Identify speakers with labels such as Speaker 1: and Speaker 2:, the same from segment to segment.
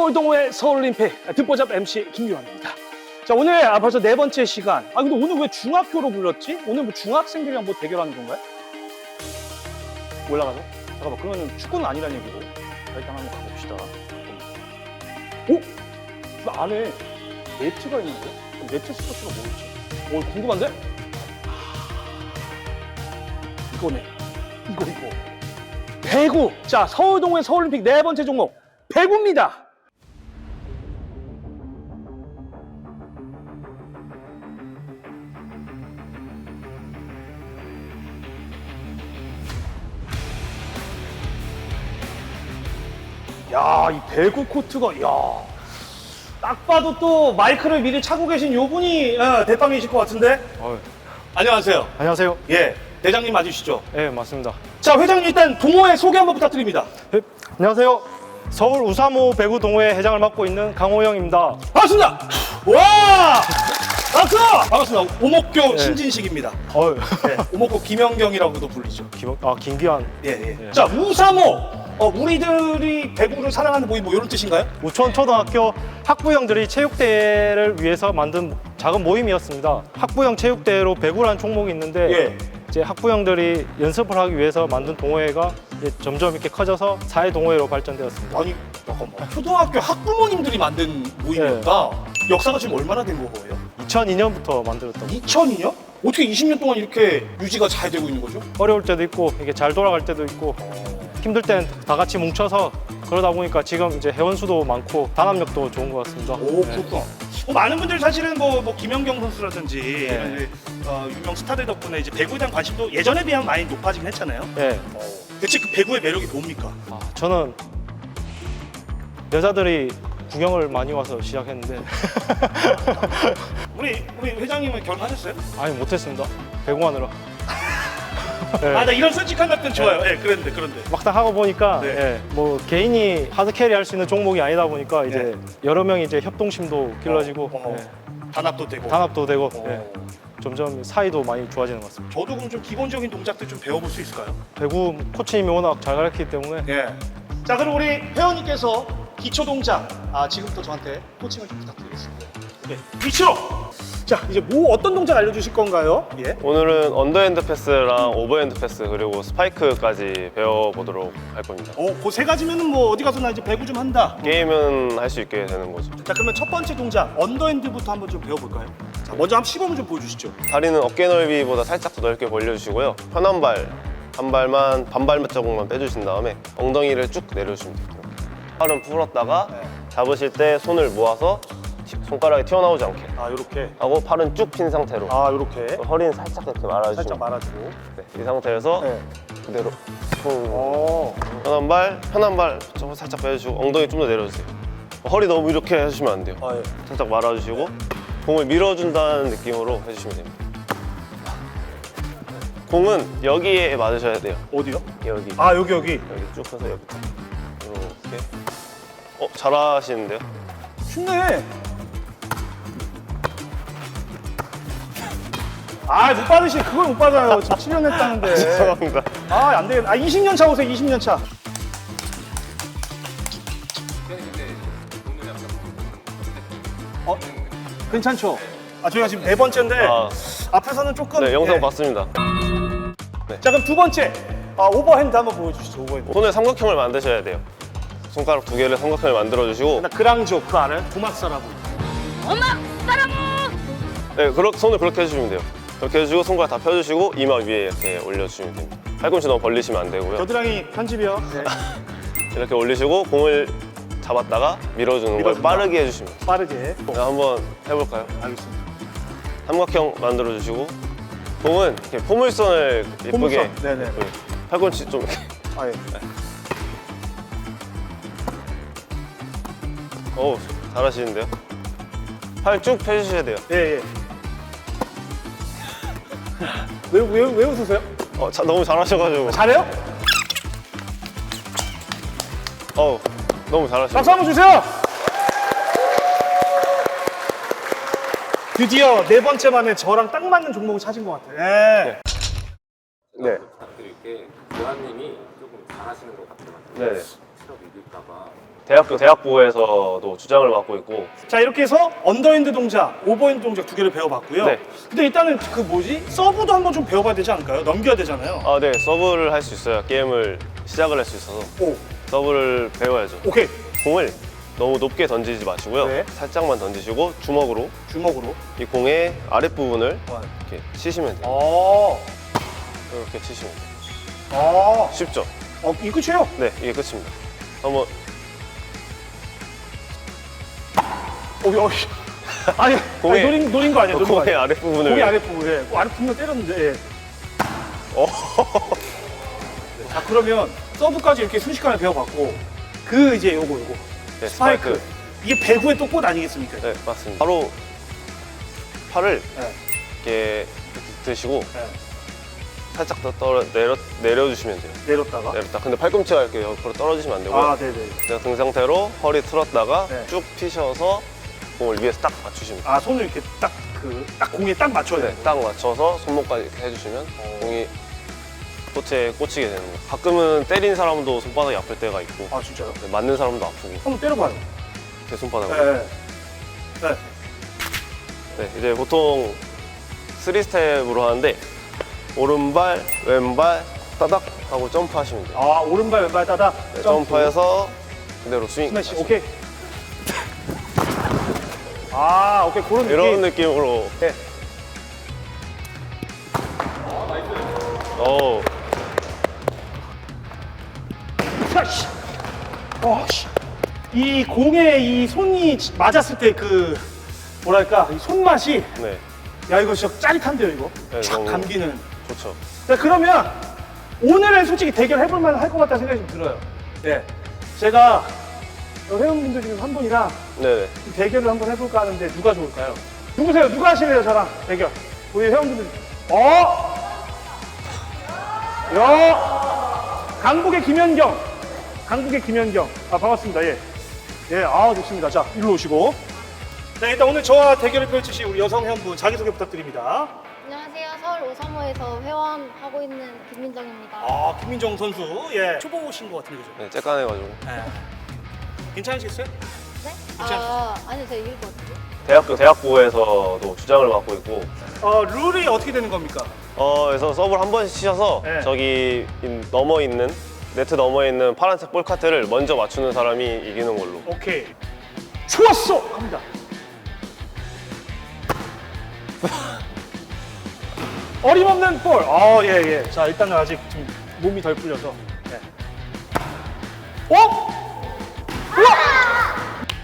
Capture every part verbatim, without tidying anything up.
Speaker 1: 서울동호회 서울림픽 듣보잡 엠씨 김규환입니다. 자, 오늘 아, 벌써 네 번째 시간. 아, 근데 오늘 왜 중학교로 불렀지? 오늘 뭐 중학생들이랑 뭐 대결하는 건가요? 올라가서? 잠깐만, 그러면 축구는 아니란 얘기고. 자, 일단 한번 가봅시다. 오? 그 안에 네트가 있는데? 그럼 네트 스포츠가 뭐였지? 오, 궁금한데? 이거네. 이거, 이거. 배구! 자, 서울동호회 서울림픽 네 번째 종목, 배구입니다! 야, 이 배구 코트가, 야, 딱 봐도 또 마이크를 미리 차고 계신 요 분이 어, 대빵이실 것 같은데?
Speaker 2: 어,
Speaker 1: 안녕하세요.
Speaker 2: 안녕하세요.
Speaker 1: 예, 대장님 맞으시죠?
Speaker 2: 네, 맞습니다.
Speaker 1: 자, 회장님 일단 동호회 소개 한번 부탁드립니다.
Speaker 2: 네, 안녕하세요. 서울 우사모 배구 동호회 회장을 맡고 있는 강호영입니다.
Speaker 1: 반갑습니다. 와! 박수! 반갑습니다. 오목교
Speaker 2: 네.
Speaker 1: 신진식입니다.
Speaker 2: 어,
Speaker 1: 네, 오목교 김영경이라고도 불리죠.
Speaker 2: 김, 아 김기환.
Speaker 1: 예, 예.
Speaker 2: 예.
Speaker 1: 자, 우사모. 어, 우리들이 배구를 사랑하는 모임 뭐 이런 뜻인가요?
Speaker 2: 우천 초등학교 학부형들이 체육대회를 위해서 만든 작은 모임이었습니다. 학부형 체육대회로 배구라는 종목이 있는데
Speaker 1: 예.
Speaker 2: 이제 학부형들이 연습을 하기 위해서 만든 동호회가 이제 점점 이렇게 커져서 사회 동호회로 발전되었습니다.
Speaker 1: 아니, 잠깐만. 초등학교 학부모님들이 만든 모임이었다. 역사가 지금 얼마나 된 거예요?
Speaker 2: 이천이 년부터 만들었던 거.
Speaker 1: 이천이 년? 어떻게 이십 년 동안 이렇게 유지가 잘 되고 있는 거죠?
Speaker 2: 어려울 때도 있고 이게 잘 돌아갈 때도 있고 힘들 땐 다 같이 뭉쳐서 그러다 보니까 지금 이제 회원수도 많고 단합력도 좋은 것 같습니다.
Speaker 1: 오,
Speaker 2: 네.
Speaker 1: 그렇구나. 어, 많은 분들 사실은 뭐, 뭐 김연경 선수라든지
Speaker 2: 네.
Speaker 1: 이런 이제, 어, 유명 스타들 덕분에 이제 배구에 대한 관심도 예전에 비하면 많이 높아지긴 했잖아요.
Speaker 2: 네.
Speaker 1: 대체 그 배구의 매력이 뭡니까?
Speaker 2: 아, 저는 여자들이 구경을 많이 와서 시작했는데
Speaker 1: 우리 우리 회장님은 결혼하셨어요?
Speaker 2: 아니 못했습니다. 배구하느라. 네.
Speaker 1: 아, 나 이런 솔직한 답변 좋아요. 예, 네, 그런데 그런데.
Speaker 2: 막상 하고 보니까
Speaker 1: 네.
Speaker 2: 예, 뭐 개인이 하드 캐리 할 수 있는 종목이 아니다 보니까 이제
Speaker 1: 네.
Speaker 2: 여러 명이 이제 협동심도 길러지고
Speaker 1: 어, 어.
Speaker 2: 예,
Speaker 1: 단합도 되고.
Speaker 2: 단합도 되고
Speaker 1: 어.
Speaker 2: 예, 점점 사이도 많이 좋아지는 것 같습니다.
Speaker 1: 저도 그럼 좀 기본적인 동작들 좀 배워볼 수 있을까요?
Speaker 2: 배구 코치님이 워낙 잘 가르치기 때문에
Speaker 1: 예. 자, 그럼 우리 회원님께서 기초 동작, 아, 지금부터 저한테 코칭을 좀 부탁드리겠습니다. 예, 위치로. 자, 이제 뭐 어떤 동작 알려주실 건가요? 예.
Speaker 3: 오늘은 언더핸드 패스랑 오버핸드 패스 그리고 스파이크까지 배워보도록 할 겁니다.
Speaker 1: 어, 그 세 가지면은 뭐 어디 가서 나 이제 배구 좀 한다.
Speaker 3: 게임은 할 수 있게 되는 거죠.
Speaker 1: 자, 그러면 첫 번째 동작 언더핸드부터 한번 좀 배워볼까요? 자, 먼저 한번 시범을 좀 보여주시죠.
Speaker 3: 다리는 어깨 넓이보다 살짝 더 넓게 벌려주시고요. 편한 발, 한 발만 반발 자국만 빼주신 다음에 엉덩이를 쭉 내려주시면 돼요. 팔은 풀었다가
Speaker 1: 네.
Speaker 3: 잡으실 때 손을 모아서 티- 손가락이 튀어나오지 않게
Speaker 1: 아, 요렇게.
Speaker 3: 하고 팔은 쭉 핀 상태로
Speaker 1: 아, 요렇게.
Speaker 3: 허리는 살짝 이렇게 말아주시면
Speaker 1: 살짝 말아주고.
Speaker 3: 네, 이 상태에서
Speaker 1: 네.
Speaker 3: 그대로 쿵.
Speaker 1: 어.
Speaker 3: 편한 발, 편한 발 좀 살짝 빼주시고 엉덩이 좀 더 내려주세요. 허리 너무 이렇게 해주시면 안 돼요.
Speaker 1: 아, 예.
Speaker 3: 살짝 말아주시고 공을 밀어준다는 느낌으로 해주시면 됩니다. 공은 여기에 맞으셔야 돼요.
Speaker 1: 어디요?
Speaker 3: 여기.
Speaker 1: 아, 여기, 여기.
Speaker 3: 여기 쭉 해서 여기. 이렇게. 어, 잘하시는데요?
Speaker 1: 쉽네. 아, 못 받으시, 그걸 못 받아요. 지금 칠 년 했다는데.
Speaker 3: 죄송합니다.
Speaker 1: 아, 안 되겠다. 아, 이십 년 차 오세요, 이십 년 차. 어? 괜찮죠? 아, 저희가 지금 네 번째인데
Speaker 3: 아,
Speaker 1: 앞에서는 조금.
Speaker 3: 네, 영상
Speaker 1: 예.
Speaker 3: 봤습니다.
Speaker 1: 자, 그럼 두 번째. 아, 오버핸드 한번 보여주시죠, 오버핸드.
Speaker 3: 손을 삼각형을 만드셔야 돼요. 손가락 두 개를 삼각형을 만들어주시고,
Speaker 1: 나 그랑조, 그거 알아요? 도막사라고.
Speaker 3: 네, 그렇, 손을 그렇게 해주시면 돼요. 그렇게 해주시고, 손가락 다 펴주시고, 이마 위에 이렇게 올려주시면 됩니다. 팔꿈치 너무 벌리시면 안 되고요.
Speaker 1: 겨드랑이 편집이요. 네.
Speaker 3: 이렇게 올리시고, 공을 잡았다가 밀어주는 걸
Speaker 1: 밀어준다.
Speaker 3: 빠르게 해주시면 돼요.
Speaker 1: 빠르게.
Speaker 3: 네, 한번 해볼까요?
Speaker 1: 알겠습니다.
Speaker 3: 삼각형 만들어주시고, 공은 이렇게 포물선을 예쁘게,
Speaker 1: 포물선. 네네.
Speaker 3: 예쁘게. 팔꿈치 좀 이렇게.
Speaker 1: 아, 예.
Speaker 3: 어우, 잘하시는데요? 팔 쭉 펴주셔야 돼요.
Speaker 1: 예, 예. 왜, 왜, 왜 웃으세요?
Speaker 3: 어, 자, 너무 잘하셔가지고.
Speaker 1: 잘해요?
Speaker 3: 어우, 너무 잘하시네요.
Speaker 1: 박수 한번 주세요! 드디어 네 번째 만에 저랑 딱 맞는 종목을 찾은 것 같아요. 예.
Speaker 3: 네.
Speaker 4: 부탁드릴 게 교환님이 조금 잘하시는 것 같아요.
Speaker 3: 네.
Speaker 4: 체력 이길까봐.
Speaker 3: 대학교 대학부에서도 주장을 맡고 있고.
Speaker 1: 자 이렇게 해서 언더핸드 동작, 오버핸드 동작 두 개를 배워봤고요.
Speaker 3: 네.
Speaker 1: 근데 일단은 그 뭐지? 서브도 한번 좀 배워봐야 되지 않을까요? 넘겨야 되잖아요.
Speaker 3: 아, 네, 서브를 할 수 있어요. 게임을 시작을 할 수 있어서
Speaker 1: 오,
Speaker 3: 서브를 배워야죠.
Speaker 1: 오케이.
Speaker 3: 공을 너무 높게 던지지 마시고요.
Speaker 1: 네.
Speaker 3: 살짝만 던지시고 주먹으로
Speaker 1: 주먹으로.
Speaker 3: 이 공의 아랫부분을
Speaker 1: 와.
Speaker 3: 이렇게 치시면 돼요.
Speaker 1: 어,
Speaker 3: 이렇게 치시면 돼요.
Speaker 1: 어,
Speaker 3: 쉽죠?
Speaker 1: 어, 이 끝이에요?
Speaker 3: 네, 이게 끝입니다. 한번
Speaker 1: 어, 어, 씨. 아니,
Speaker 3: 공에-
Speaker 1: 아니 노린, 노린 거 아니에요? 노린 거
Speaker 3: 공의
Speaker 1: 아니에요?
Speaker 3: 아랫부분을
Speaker 1: 공의 아랫부분, 예. 그 아랫부분 때렸는데, 예.
Speaker 3: 어.
Speaker 1: 네, 자, 그러면 서브까지 이렇게 순식간에 배워봤고, 그 이제 요거, 요거.
Speaker 3: 네,
Speaker 1: 스파이크.
Speaker 3: 스파이크.
Speaker 1: 이게 배구의 또 꽃 아니겠습니까?
Speaker 3: 네, 맞습니다. 바로 팔을
Speaker 1: 네.
Speaker 3: 이렇게 드시고
Speaker 1: 네.
Speaker 3: 살짝 더 떨어 내려 내려주시면 돼요.
Speaker 1: 내렸다가.
Speaker 3: 내렸다. 근데 팔꿈치가 이렇게 옆으로 떨어지시면 안 되고요.
Speaker 1: 아, 네네.
Speaker 3: 그냥 등 상태로 허리 틀었다가
Speaker 1: 네.
Speaker 3: 쭉 피셔서 공을 위에서 딱 맞추시면 돼요.
Speaker 1: 아, 손을 이렇게 딱, 그, 딱 공에 딱 맞춰야
Speaker 3: 네,
Speaker 1: 돼요.
Speaker 3: 딱 맞춰서 손목까지 이렇게 해주시면 공이 꽃에 꽂히게 되는 거예요. 가끔은 때린 사람도 손바닥이 아플 때가 있고
Speaker 1: 아, 진짜요?
Speaker 3: 네, 맞는 사람도 아프고
Speaker 1: 한번 때려봐요.
Speaker 3: 제 손바닥으로.
Speaker 1: 네. 네.
Speaker 3: 네, 이제 보통 쓰리 스텝으로 하는데 오른발, 왼발, 따닥 하고 점프하시면 돼요.
Speaker 1: 아, 오른발, 왼발 따다.
Speaker 3: 네, 점프해서 그대로 스윙.
Speaker 1: 스매시,
Speaker 3: 하시면
Speaker 1: 오케이. 아, 오케이. 그런
Speaker 3: 돼요. 이런
Speaker 1: 느낌.
Speaker 3: 느낌으로.
Speaker 1: 네.
Speaker 3: 오,
Speaker 1: 자, 씨. 어, 씨. 이 공에 이 손이 맞았을 때 그, 뭐랄까, 이 손맛이,
Speaker 3: 네,
Speaker 1: 야, 이거 진짜 짜릿한데요, 이거?
Speaker 3: 네,
Speaker 1: 촥
Speaker 3: 너무-
Speaker 1: 감기는.
Speaker 3: 좋죠.
Speaker 1: 자, 그러면 오늘은 솔직히 대결 해볼 만할 것 같다는 생각이 좀 들어요. 네. 제가 회원분들 중에 한 분이랑
Speaker 3: 네네.
Speaker 1: 이 대결을 한번 해볼까 하는데 누가 좋을까요? 누구세요? 누가 하실래요, 저랑 대결? 우리 회원분들. 어? 야! 강북의 김현경. 강북의 김현경. 아, 반갑습니다. 예. 예, 아, 좋습니다. 자, 일로 오시고. 자, 일단 오늘 저와 대결을 펼치실 우리 여성 회원분 자기소개 부탁드립니다.
Speaker 5: 안녕하세요. 서울 오삼호에서 회원하고 있는 김민정입니다.
Speaker 1: 아, 김민정 선수. 예. 초보 오신 것 같은데, 그죠?
Speaker 3: 네, 쬐깐해가지고.
Speaker 1: 예. 괜찮으시겠어요?
Speaker 5: 네?
Speaker 1: 괜찮-
Speaker 5: 아, 아니요. 제가 이길 것 같은데.
Speaker 3: 대학교 대학부에서도 주장을 맡고 있고.
Speaker 1: 어, 룰이 어떻게 되는 겁니까?
Speaker 3: 어, 그래서 서브를 한 번씩 치셔서
Speaker 1: 네.
Speaker 3: 저기 인- 넘어 있는 네트 넘어 있는 파란색 볼 카트를 먼저 맞추는 사람이 이기는 걸로.
Speaker 1: 오케이. 좋았어! 갑니다. 어림없는 볼. 아, 예, 예. 자, 일단은 아직 좀 몸이 덜 풀려서. 예. 어? 우와!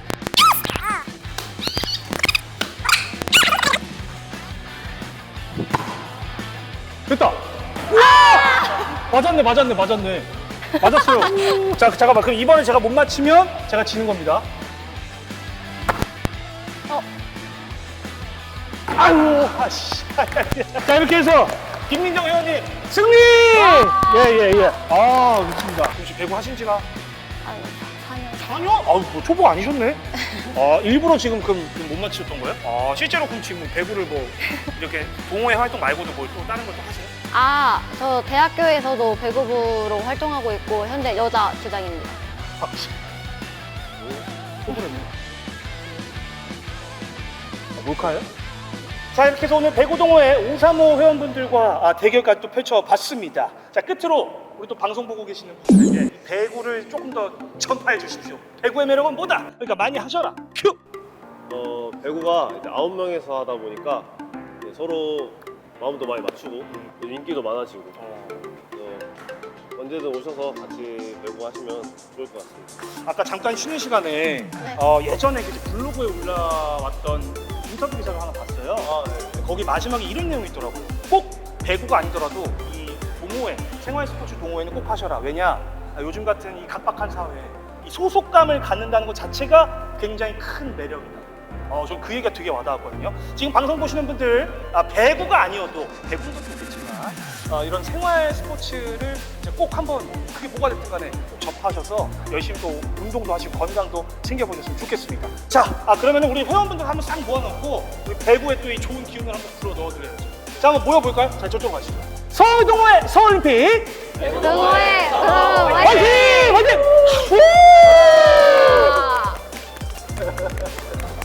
Speaker 1: 됐다. 우와! 맞았네, 맞았네, 맞았네. 맞았어요. 자, 잠깐만. 그럼 이번에 제가 못 맞히면 제가 지는 겁니다.
Speaker 5: 어,
Speaker 1: 아유, 아씨. 자, 이렇게 해서 김민정 회원님 승리! 예, 예, 예. 아, 좋습니다. 혹시 배구 하신 지가
Speaker 5: 아니, 사 년.
Speaker 1: 사 년? 아우, 뭐 초보 아니셨네? 아, 일부러 지금 그럼 못 맞추셨던 거예요? 아, 실제로 그럼 지금 배구를 뭐 이렇게 동호회 활동 말고도 뭐 또 다른 걸 또 하세요?
Speaker 5: 아, 저 대학교에서도 배구부로 활동하고 있고 현재 여자 주장입니다.
Speaker 1: 아, 씨. 초보랬네. 아, 몰카예요? 자, 이렇게 해서 오늘 배구 동호회 오삼오 회원분들과 아, 대결까지 또 펼쳐봤습니다. 자, 끝으로 우리 또 방송 보고 계시는 분들에게 이 배구를 조금 더 전파해 주십시오. 배구의 매력은 뭐다? 그러니까 많이 하셔라. 큐!
Speaker 3: 어, 배구가 이제 아홉 명에서 하다 보니까 이제 서로 마음도 많이 맞추고 또 인기도 많아지고 그래서 언제든 오셔서 같이 배구 하시면 좋을 것 같습니다.
Speaker 1: 아까 잠깐 쉬는 시간에 어, 예전에 그 블로그에 올라왔던 인터뷰 기사를 하나 봤어요.
Speaker 3: 아, 네.
Speaker 1: 거기 마지막에 이런 내용이 있더라고요. 꼭 배구가 아니더라도 이 동호회, 생활 스포츠 동호회는 꼭 하셔라. 왜냐? 아, 요즘 같은 이 각박한 사회에 이 소속감을 갖는다는 것 자체가 굉장히 큰 매력이다. 어, 전 그 얘기가 되게 와닿았거든요. 지금 방송 보시는 분들 아, 배구가 아니어도 배구는 좋겠지만 어, 이런 생활 스포츠를 이제 꼭 한번 그게 뭐가 됐든 간에 꼭 접하셔서 열심히 또 운동도 하시고 건강도 챙겨보셨으면 좋겠습니다. 자, 아, 그러면 우리 회원분들 한번 싹 모아놓고 우리 배구에 또 이 좋은 기운을 한번 불어 넣어드려야죠. 자, 한번 모여볼까요? 자, 저쪽으로 가시죠. 서울동호회 서울림픽
Speaker 5: 동호회, 그럼
Speaker 1: 화이팅! 화이팅! 우!
Speaker 3: 네.